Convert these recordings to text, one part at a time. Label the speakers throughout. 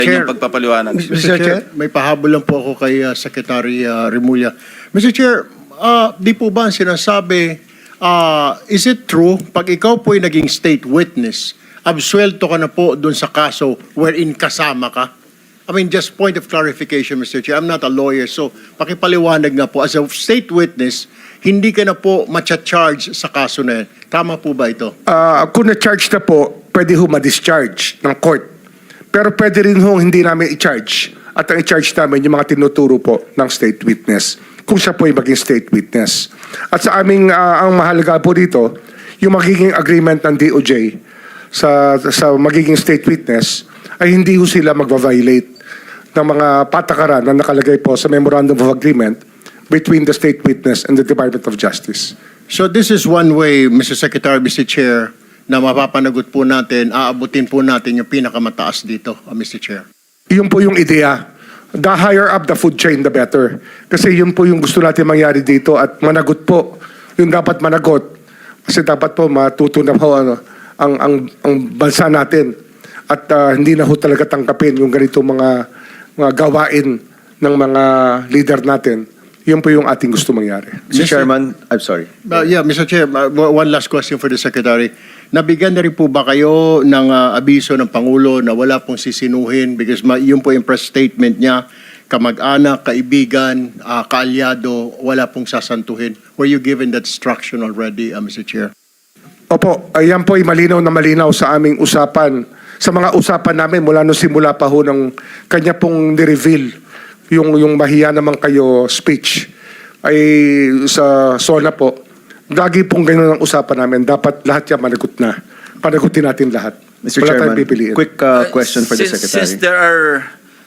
Speaker 1: Chair, yung pagpapaliwanag.
Speaker 2: Mr. Chair, may pahabol lang po ako kay Secretary Remulla. Mr. Chair, di po ba ang sinasabi, is it true, pag ikaw po ay naging state witness, absuelto ka na po dun sa kaso wherein kasama ka? I mean, just point of clarification, Mr. Chair. I'm not a lawyer, so pakipaliwanag nga po. As a state witness, hindi ka na po matcha-charge sa kaso na yan. Tama po ba ito?
Speaker 3: Kung na-charge na po, pwede ho ma-discharge ng court. Pero pwede rin ho hindi namin i-charge. At ang i-charge namin yung mga tinuturo po ng state witness. Kung siya po ay maging state witness. At sa aming, ang mahalaga po dito, yung magiging agreement ng DOJ sa magiging state witness, ay hindi ho sila magva-violate ng mga patakaran na nakalagay po sa Memorandum of Agreement between the state witness and the Department of Justice.
Speaker 2: So this is one way, Mr. Secretary, Mr. Chair, na mapapanagot po natin, aabutin po natin yung pinakamataas dito, Mr. Chair.
Speaker 3: Yun po yung ideya. The higher up the food chain, the better. Kasi yun po yung gusto natin mangyari dito at managot po. Yung dapat managot. Kasi dapat po matuto na po ang bansa natin. At hindi na ho talaga tangkapin yung ganito mga gawain ng mga leader natin. Yun po yung ating gusto mangyari.
Speaker 4: Mr. Chairman, I'm sorry.
Speaker 2: Yeah, Mr. Chair, one last question for the Secretary. Nabigyan na rin po ba kayo ng abiso ng Pangulo na wala pong sisinuhin because yun po yung press statement niya, kamag-anak, kaibigan, kaalyado, wala pong sasantuhin. Were you given that instruction already, Mr. Chair?
Speaker 3: Opo, ayan po ay malinaw na malinaw sa aming usapan. Sa mga usapan namin mula nung simula pa ho ng kanya pong ni-reveal yung mahiya naman kayo speech ay sa SONA po. Lagi pong ganyan ang usapan namin. Dapat lahat yan managot na. Panagutin natin lahat.
Speaker 4: Mr.
Speaker 3: Wala
Speaker 4: Chairman,
Speaker 3: tayong pipiliin.
Speaker 4: quick question for the Secretary.
Speaker 1: Since there are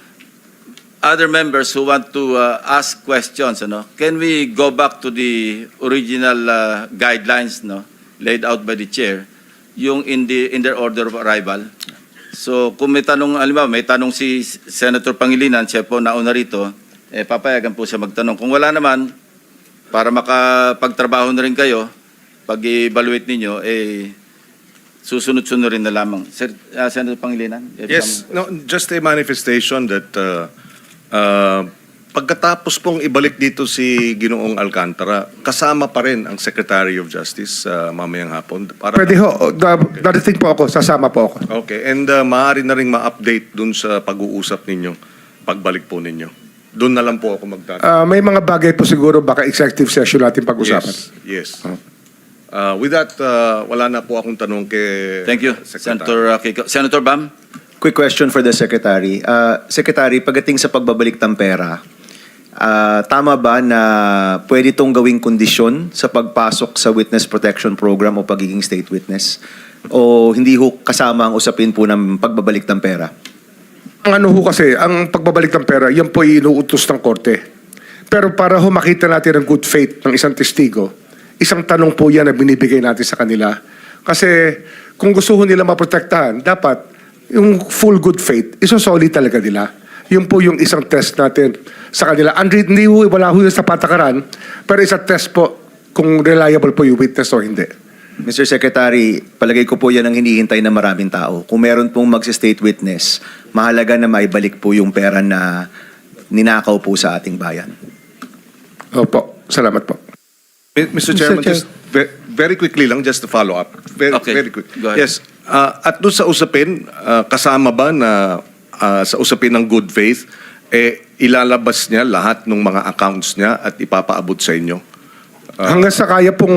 Speaker 1: other members who want to ask questions, can we go back to the original guidelines laid out by the chair, yung in their order of arrival? So kung may tanong, alam may tanong si Senator Pangilinan, siya po nauna rito, papayagan po siya magtanong. Kung wala naman, para makapagtrabaho na rin kayo, pag-evaluate ninyo, susunod-sunod rin na lamang. Senator Pangilinan?
Speaker 5: Yes, no, just a manifestation that pagkatapos pong ibalik dito si Ginoong Alcantara, kasama pa rin ang Secretary of Justice mamayang hapon. Para
Speaker 3: Pwede ho. Darating po ako. Sasama po ako.
Speaker 5: Okay, and maaari na rin ma-update dun sa pag-uusap ninyo, pagbalik po ninyo. Doon na lang po ako magtatanong.
Speaker 3: May mga bagay po siguro baka executive session natin pag-usapan.
Speaker 5: Yes. With that, wala na po akong tanong kay
Speaker 1: Thank you,
Speaker 5: Secretary.
Speaker 1: Senator Kiko. Senator Bam?
Speaker 4: Quick question for the Secretary. Secretary, pagdating sa pagbabalik ng pera, tama ba na pwede itong gawing kondisyon sa pagpasok sa Witness Protection Program o pagiging state witness? O hindi ho kasama ang usapin po ng pagbabalik ng pera?
Speaker 3: Ang ano ho kasi, ang pagbabalik ng pera, yan po inuutos ng korte. Pero para ho makita natin ang good faith ng isang testigo, isang tanong po yan na binibigay natin sa kanila. Kasi kung gusto ho nila maprotektahan, dapat yung full good faith, isosolid talaga nila. Yun po yung isang test natin sa kanila. Hindi ho, wala ho yun sa patakaran, pero isang test po kung reliable po yung witness o hindi.
Speaker 4: Mr. Secretary, palagay ko po yan ang hinihintay ng maraming tao. Kung meron pong mag-state witness, mahalaga na maibalik po yung pera na ninakaw po sa ating bayan.
Speaker 3: Opo, salamat po.
Speaker 5: Mr. Chairman, just very quickly lang, just to follow up. Very quick.
Speaker 1: Go ahead.
Speaker 5: Yes. At doon sa usapin, kasama ba na sa usapin ng good faith, ilalabas niya lahat ng mga accounts niya at ipapaabot sa inyo?
Speaker 3: Hanggang sa kaya pong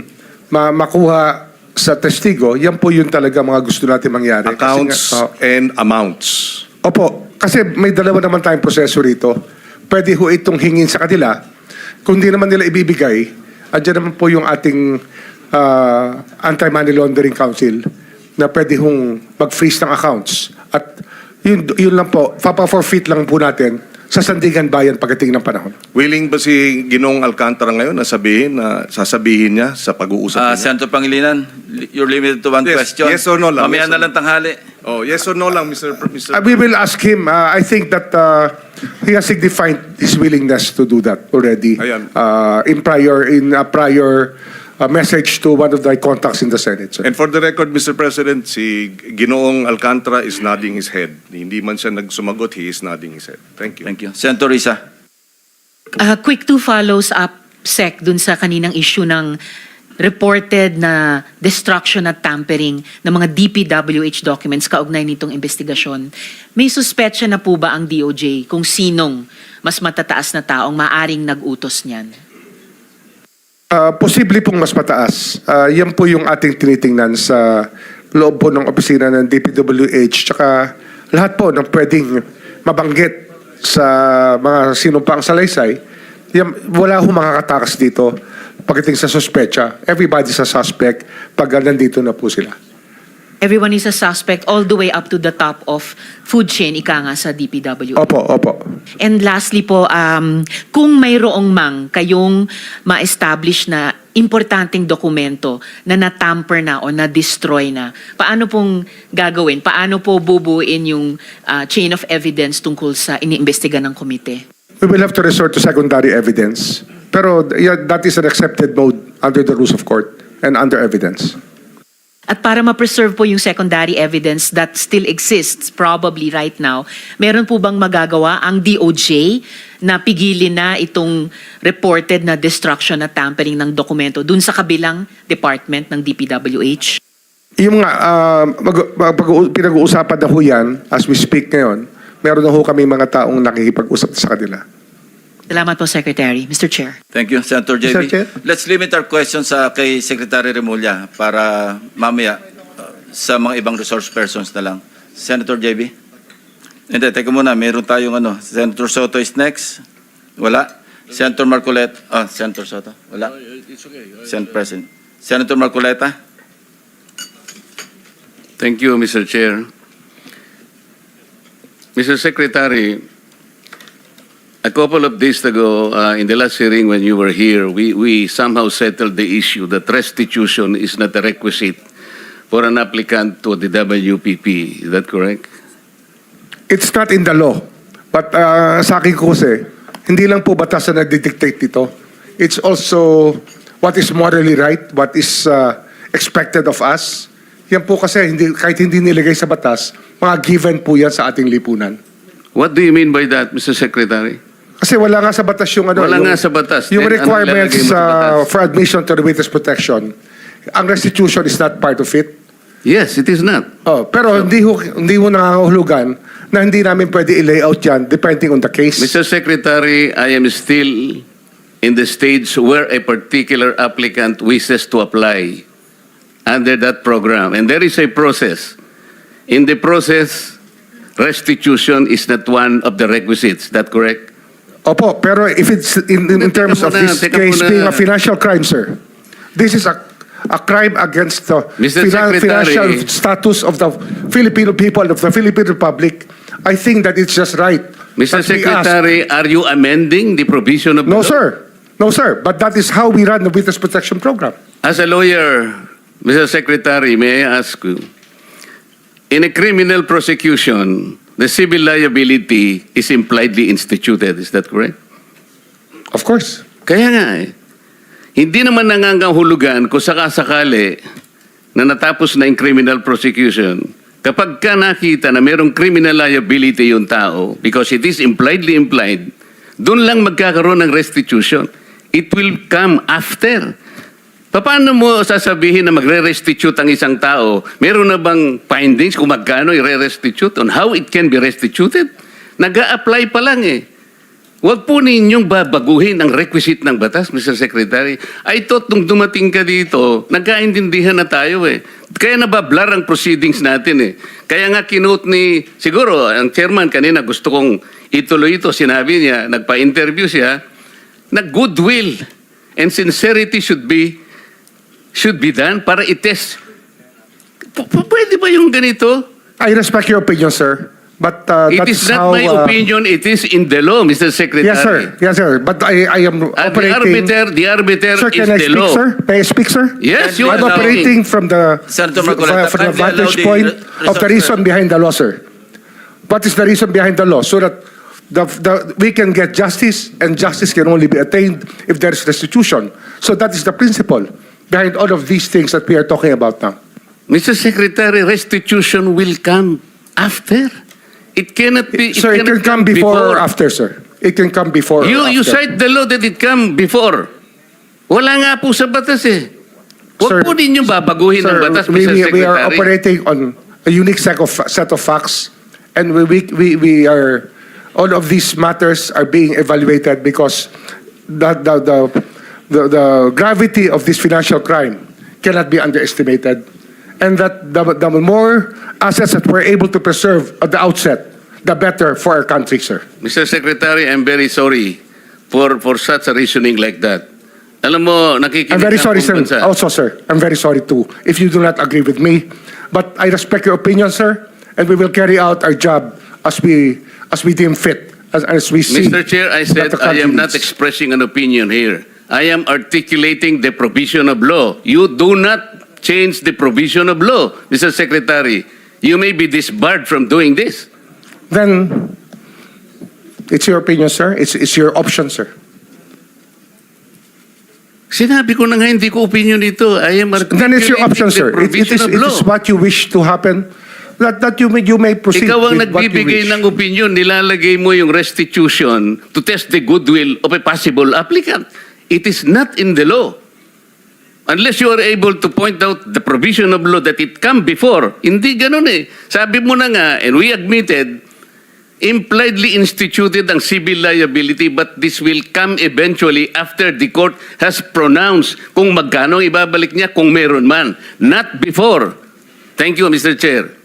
Speaker 3: makuha sa testigo, yan po yun talaga mga gusto natin mangyari.
Speaker 5: Accounts and amounts.
Speaker 3: Opo, kasi may dalawa naman tayong proseso rito. Pwede ho itong hingin sa kanila. Kung di naman nila ibibigay, andyan naman po yung ating Anti-Money Laundering Council na pwede hong mag-freeze ng accounts. At yun lang po, papa-forfeit lang po natin sa Sandigan Bayan pagdating ng panahon.
Speaker 5: Willing ba si Ginoong Alcantara ngayon na sasabihin niya sa pag-uusap niya?
Speaker 1: Senator Pangilinan, you're limited to one question.
Speaker 5: Yes or no lang.
Speaker 1: Mamaya
Speaker 5: Yes
Speaker 1: na
Speaker 5: or
Speaker 1: lang tanghali.
Speaker 5: Oh, yes or no lang, Mr.
Speaker 3: We will ask him. I think that he has signified his willingness to do that already
Speaker 5: Ayan.
Speaker 3: in a prior message to one of my contacts in the Senate, sir.
Speaker 5: And for the record, Mr. President, si Ginoong Alcantara is nodding his head. Hindi man siya nagsumagot, he is nodding his head. Thank you.
Speaker 1: Thank you. Senator Risa.
Speaker 6: Quick two follows up, Sec, dun sa kaninang issue ng reported na destruction at tampering ng mga DPWH documents kaugnay nitong investigasyon. May suspetsya na po ba ang DOJ kung sinong mas matataas na taong maaring nag-utos niyan?
Speaker 3: Posible pong mas mataas. Yan po yung ating tinitingnan sa loob po ng opisina ng DPWH tsaka lahat po ng pwedeng mabanggit sa mga sinumpang salaysay. Yan, wala ho makakatakas dito pagdating sa suspecha. Everybody's a suspect pag nandito na po sila.
Speaker 6: Everyone is a suspect all the way up to the top of food chain, ika nga sa DPWH.
Speaker 3: Opo.
Speaker 6: And lastly po, kung mayroong mang kayong ma-establish na importanteng dokumento na natamper na o na-destroy na, paano pong gagawin? Paano po bubuin yung chain of evidence tungkol sa iniimbestiga ng komite?
Speaker 3: We will have to resort to secondary evidence. Pero that is an accepted mode under the rules of court and under evidence.
Speaker 6: At para ma-preserve po yung secondary evidence that still exists probably right now, meron po bang magagawa ang DOJ na pigilin na itong reported na destruction at tampering ng dokumento dun sa kabilang department ng DPWH?
Speaker 3: Yung mga pinag-uusapan na ho yan, as we speak ngayon, meron na ho kami mga taong nakikipag-usap sa kanila.
Speaker 6: Salamat po, Secretary. Mr. Chair.
Speaker 1: Thank you, Senator JB.
Speaker 2: Mr. Chair.
Speaker 1: Let's limit our questions kay Secretary Remulla para mamaya sa mga ibang resource persons na lang. Senator JB? Hindi, teka muna. Meron tayong Senator Soto is next. Wala. Senator Marcoleta. Senator Soto. Wala. Senate President. Senator Marcoleta?
Speaker 7: Thank you, Mr. Chair. Mr. Secretary, a couple of days ago, in the last hearing when you were here, we somehow settled the issue that restitution is not a requisite for an applicant to the WPP. Is that correct?
Speaker 3: It's not in the law. But sa akin ko kasi, hindi lang po batas na nagdidictate dito. It's also what is morally right, what is expected of us. Yan po kasi, kahit hindi nilagay sa batas, mga given po yan sa ating lipunan.
Speaker 7: What do you mean by that, Mr. Secretary?
Speaker 3: Kasi wala nga sa batas yung
Speaker 7: Wala nga sa batas.
Speaker 3: Yung
Speaker 7: Then, ano
Speaker 3: requirements
Speaker 7: ilalagay mo sa batas?
Speaker 3: for admission to the witness protection. Ang restitution is not part of it.
Speaker 7: Yes, it is not.
Speaker 3: Pero hindi ho nangangahulugan na hindi namin pwede i-layout yan depending on the case.
Speaker 7: Mr. Secretary, I am still in the stage where a particular applicant wishes to apply under that program. And there is a process. In the process, restitution is not one of the requisites. Is that correct?
Speaker 3: Opo, pero if it's in terms of this case being a financial crime, sir, this is a crime against the
Speaker 7: Mr. Secretary,
Speaker 3: financial status of the Filipino people, of the Philippine Republic. I think that it's just right.
Speaker 7: Mr.
Speaker 3: that we ask.
Speaker 7: Secretary, are you amending the provision of the
Speaker 3: No,
Speaker 7: law?
Speaker 3: sir. No, sir. But that is how we run the witness protection program.
Speaker 7: As a lawyer, Mr. Secretary, may I ask you, in a criminal prosecution, the civil liability is impliedly instituted. Is that correct?
Speaker 3: Of course.
Speaker 7: Kaya nga hindi naman nangangahulugan kung sakasakali na natapos na yung criminal prosecution, kapag ka nakita na mayroong criminal liability yung tao, because it is impliedly implied, doon lang magkakaroon ng restitution. It will come after. Paano mo sasabihin na magre-restitute ang isang tao? Meron na bang findings kung magkano i-restitute on how it can be restituted? Nag-a-apply pa lang eh. Huwag po ninyong babaguhin ang requisite ng batas, Mr. Secretary. I thought nung dumating ka dito, nagkaintindihan na tayo eh. Kaya nabablar ang proceedings natin eh. Kaya nga kinote ni, siguro, ang chairman kanina gusto kong ituloy ito. Sinabi niya, nagpa-interview siya, na goodwill and sincerity should be done para i-test. Pwede ba yung ganito?
Speaker 3: I respect your opinion, sir. But
Speaker 7: It
Speaker 3: that's
Speaker 7: is not
Speaker 3: how,
Speaker 7: my opinion, it is in the law, Mr. Secretary.
Speaker 3: Yes, sir. Yes, sir. But I am operating...
Speaker 7: The arbiter
Speaker 3: Sir,
Speaker 7: is
Speaker 3: can I
Speaker 7: the
Speaker 3: speak,
Speaker 7: law.
Speaker 3: sir? May I speak, sir?
Speaker 7: Yes, you
Speaker 3: I'm
Speaker 7: are
Speaker 3: operating from the
Speaker 1: Senator Marcoleta,
Speaker 3: from the
Speaker 1: kindly allow
Speaker 3: vantage
Speaker 1: the
Speaker 3: point
Speaker 1: resource
Speaker 3: of the reason
Speaker 1: person.
Speaker 3: behind the law, sir. What is the reason behind the law? So that we can get justice, and justice can only be attained if there is restitution. So that is the principle. behind all of these things that we are talking about now?
Speaker 7: Mr. Secretary, restitution will come after. It cannot be.
Speaker 3: Sir, it can
Speaker 7: cannot
Speaker 3: come before or after, sir. It can come before or
Speaker 7: You
Speaker 3: after.
Speaker 7: cite the law that it come before. Wala nga po sa batas eh.
Speaker 3: Sir,
Speaker 7: Huwag po ninyo babaguhin ang batas, Mr. Secretary.
Speaker 3: we are operating on a unique set of facts, and we are, all of these matters are being evaluated because the gravity of this financial crime cannot be underestimated, and that the more assets that we're able to preserve at the outset, the better for our country, sir.
Speaker 7: Mr. Secretary, I'm very sorry for such a reasoning like that. Alam mo, nakikinig
Speaker 3: I'm very
Speaker 7: ang
Speaker 3: sorry,
Speaker 7: buong
Speaker 3: sir.
Speaker 7: bansa.
Speaker 3: Also, sir, I'm very sorry too if you do not agree with me. But I respect your opinion, sir, and we will carry out our job as we deem fit, as we see.
Speaker 7: Mr. Chair, I said
Speaker 3: that the
Speaker 7: I
Speaker 3: country
Speaker 7: am not
Speaker 3: needs.
Speaker 7: expressing an opinion here. I am articulating the provision of law. You do not change the provision of law, Mr. Secretary. You may be disbarred from doing this.
Speaker 3: Then it's your opinion, sir. It's your option, sir.
Speaker 7: Sinabi ko na nga hindi ko opinion ito. I am articulating
Speaker 3: Then it's your option,
Speaker 7: the
Speaker 3: sir.
Speaker 7: provision of
Speaker 3: It
Speaker 7: law.
Speaker 3: is what you wish to happen. That you may proceed
Speaker 7: Ikaw ang
Speaker 3: with what you
Speaker 7: nagbibigay
Speaker 3: wish.
Speaker 7: ng opinion, nilalagay mo yung restitution to test the goodwill of a possible applicant. It is not in the law. Unless you are able to point out the provision of law that it come before. Hindi ganun eh. Sabi mo na nga, and we admitted, impliedly instituted ang civil liability, but this will come eventually after the court has pronounced kung magkano ibabalik niya kung meron man. Not before. Thank you, Mr. Chair.